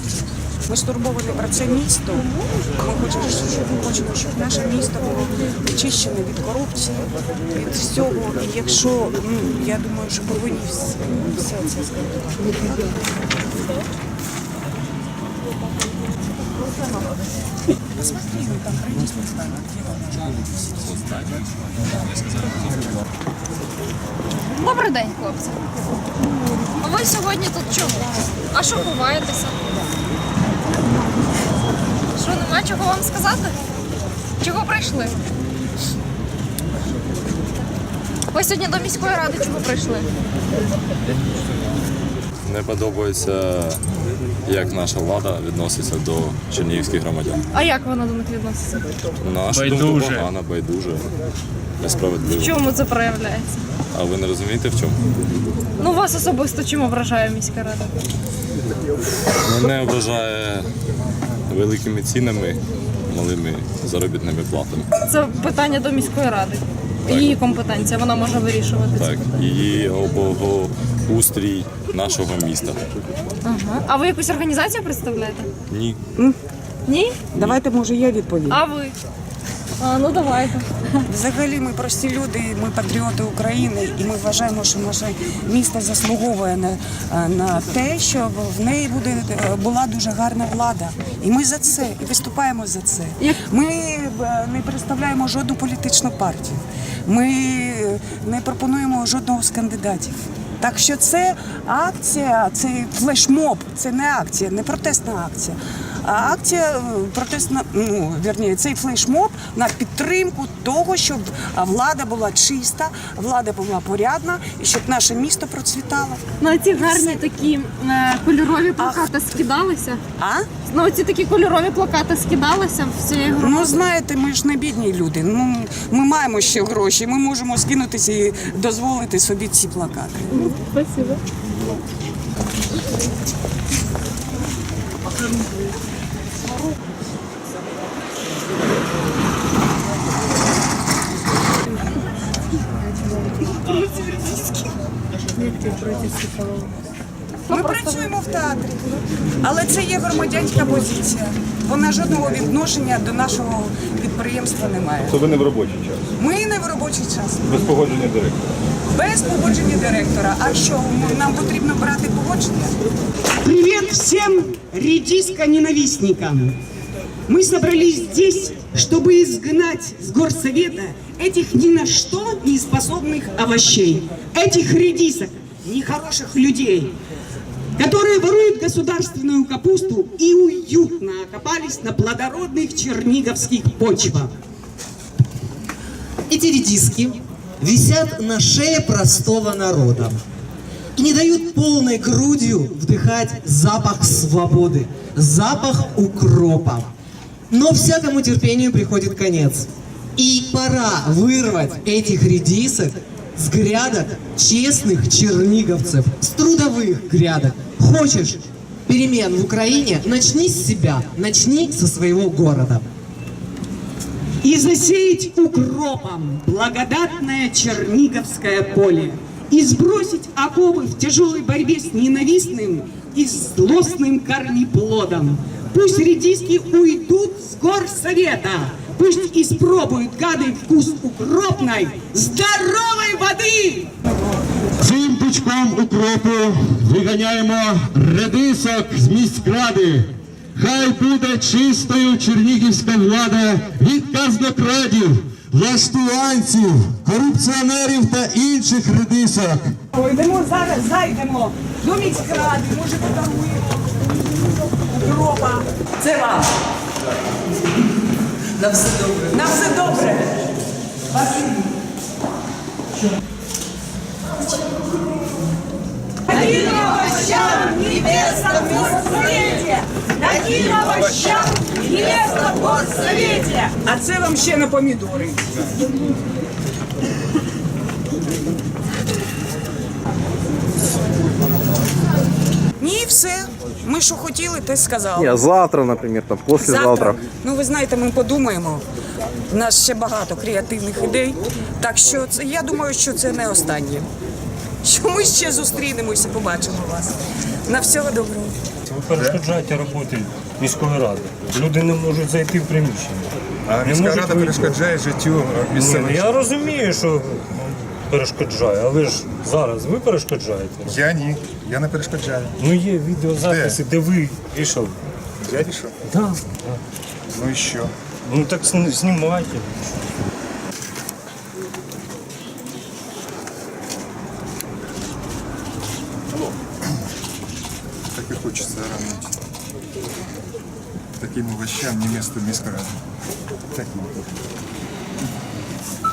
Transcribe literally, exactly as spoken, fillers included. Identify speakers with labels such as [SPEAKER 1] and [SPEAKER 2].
[SPEAKER 1] Ми стурбовані про це місто. Ми хочемо, щоб, хочемо, щоб наше місто було очищене від корупції, від всього. І якщо, ну, я думаю, що повинні все, все це зробити. Посмотри, там пройдись не знаю,
[SPEAKER 2] Добрий день, хлопці. А ви сьогодні тут чому? А що ховаєтеся? Що, нема чого вам сказати? Чого прийшли? Ви сьогодні до міської ради чого прийшли?
[SPEAKER 3] Не подобається, як наша влада відноситься до чернігівських громадян.
[SPEAKER 2] А як вона до них відноситься?
[SPEAKER 3] На нашу думку, погано, байдуже, несправедливо.
[SPEAKER 2] В чому це проявляється?
[SPEAKER 3] А ви не розумієте, в чому?
[SPEAKER 2] Ну, вас особисто чим ображає міська рада?
[SPEAKER 3] Мене ображає великими цінами, малими заробітними платами.
[SPEAKER 2] Це питання до міської ради. Її компетенція, вона може вирішувати це.
[SPEAKER 3] Так, її облагоустрій нашого міста.
[SPEAKER 2] Ага. А ви якусь організацію представляєте?
[SPEAKER 3] Ні.
[SPEAKER 2] Ні?
[SPEAKER 1] Давайте, може, я відповім.
[SPEAKER 2] А ви? А, ну давайте.
[SPEAKER 1] Взагалі ми прості люди, ми патріоти України, і ми вважаємо, що наше місто заслуговує на, на те, що в неї буде, була дуже гарна влада. І ми за це, і виступаємо за це. Ми не представляємо жодну політичну партію. Ми не пропонуємо жодного з кандидатів. Так що це акція, це флешмоб, це не акція, не протестна акція. А акція протестна, ну, вірніше, цей флешмоб на підтримку того, щоб влада була чиста, влада була порядна і щоб наше місто процвітало.
[SPEAKER 2] Ну, ці гарні такі е, кольорові плакати скидалися.
[SPEAKER 1] А?
[SPEAKER 2] Ну, ці такі кольорові плакати скидалися в цієї громади.
[SPEAKER 1] Ну, знаєте, ми ж не бідні люди. Ну, ми маємо ще гроші, ми можемо скинутися і дозволити собі ці плакати.
[SPEAKER 2] Спасибо.
[SPEAKER 1] Ми працюємо в театрі, але це є громадянська позиція. Вона жодного відношення до нашого підприємства не має.
[SPEAKER 4] То ви не в робочий час?
[SPEAKER 1] Ми не в робочий час.
[SPEAKER 4] Без погодження директора?
[SPEAKER 1] Без погодження директора. А що, нам потрібно брати погодження?
[SPEAKER 5] Привет всем редиско-ненавистникам! Мы собрались здесь, чтобы изгнать с горсовета этих ни на что не способных овощей, этих редисок, нехороших людей, которые воруют государственную капусту и уютно окопались на плодородных черниговских почвах.
[SPEAKER 6] Эти редиски висят на шее простого народа и не дают полной грудью вдыхать запах свободы, запах укропа. Но всякому терпению приходит конец. И пора вырвать этих редисок с грядок честных черниговцев, с трудовых грядок. Хочешь перемен в Украине? Начни с себя, начни со своего города.
[SPEAKER 5] И засеять укропом благодатное черниговское поле, и сбросить оковы в тяжелой борьбе с ненавистным и злостным корнеплодом. Пусть редиски уйдут с горсовета, пусть испробуют гады вкус укропной, здоровой воды!
[SPEAKER 7] Цим пучком укропу виганяємо редисок з міськради. Хай буде чистою чернігівська влада від казнокрадів, влаштуванців, корупціонерів та інших редисок.
[SPEAKER 1] Йдемо зараз, зайдемо до міськради, може подаруємо укропа. Це вам.
[SPEAKER 6] На все добре.
[SPEAKER 1] На все добре. Спасибо. Таким овощам небесном горсовете! Таким овощам небесном горсовете! А це вам ще на помідори. Ні, все. Ми що хотіли, те сказали.
[SPEAKER 8] Ні, завтра, наприклад, там, післязавтра.
[SPEAKER 1] Ну, ви знаєте, ми подумаємо. У нас ще багато креативних ідей. Так що це, я думаю, що це не останнє. Що ми ще зустрінемося, побачимо вас. На всього доброго.
[SPEAKER 9] ви перешкоджаєте роботі міської ради. Люди не можуть зайти в приміщення.
[SPEAKER 10] А
[SPEAKER 9] Не
[SPEAKER 10] міська
[SPEAKER 9] можуть
[SPEAKER 10] рада
[SPEAKER 9] вийти.
[SPEAKER 10] перешкоджає життю
[SPEAKER 9] Ні,
[SPEAKER 10] місцевих.
[SPEAKER 9] я розумію, що перешкоджає, але ж зараз ви перешкоджаєте.
[SPEAKER 10] Я ні, я не перешкоджаю.
[SPEAKER 9] Ну є відеозаписи, де, ви вийшов.
[SPEAKER 10] Я рішив.
[SPEAKER 9] Да.
[SPEAKER 10] Ну і що?
[SPEAKER 9] Ну так сни- знімайте.
[SPEAKER 10] Так і хочеться ранити. Таким овощам не місто в міській раді. Так, ну.